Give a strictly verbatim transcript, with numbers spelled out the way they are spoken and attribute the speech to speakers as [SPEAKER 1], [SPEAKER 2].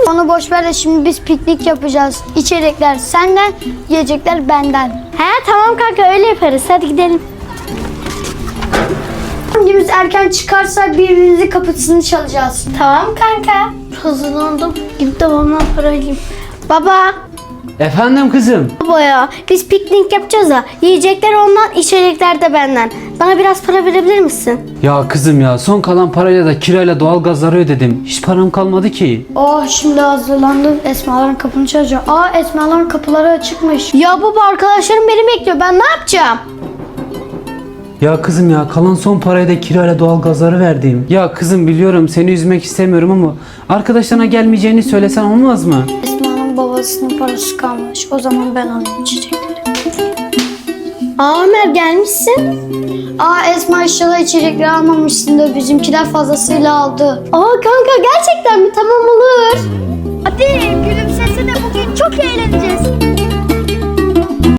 [SPEAKER 1] Onu boş ver de şimdi biz piknik yapacağız. İçecekler senden, yiyecekler benden.
[SPEAKER 2] He tamam kanka, öyle yaparız. Hadi gidelim.
[SPEAKER 1] Hangimiz erken çıkarsa birbirimizin kapısını çalacağız.
[SPEAKER 2] Tamam kanka. Hazırlandım. Gidip de babamdan para alayım. Baba.
[SPEAKER 3] Efendim kızım.
[SPEAKER 2] Baba ya, biz piknik yapacağız da yiyecekler ondan, içecekler de benden. Bana biraz para verebilir misin?
[SPEAKER 3] Ya kızım ya, son kalan parayla da kirayla doğalgazları ödedim. Hiç param kalmadı ki.
[SPEAKER 1] Oh, şimdi hazırlandım. Esmaların kapını çalacağım. Aa, Esmaların kapıları açıkmış.
[SPEAKER 2] Ya baba, arkadaşlarım beni bekliyor. Ben ne yapacağım?
[SPEAKER 3] Ya kızım ya, kalan son parayı da kirayla doğalgazları verdim. Ya kızım, biliyorum seni üzmek istemiyorum ama arkadaşlarına gelmeyeceğini söylesen olmaz mı?
[SPEAKER 1] Esma'nın babasının parası kalmış. O zaman ben alayım içecekleri.
[SPEAKER 2] Aa Ömer, gelmişsin.
[SPEAKER 1] Aa Esma, inşallah içecekleri almamışsındır. Bizimkiler fazlasıyla aldı.
[SPEAKER 2] Aa kanka, gerçekten mi? Tamam, olur. Hadi.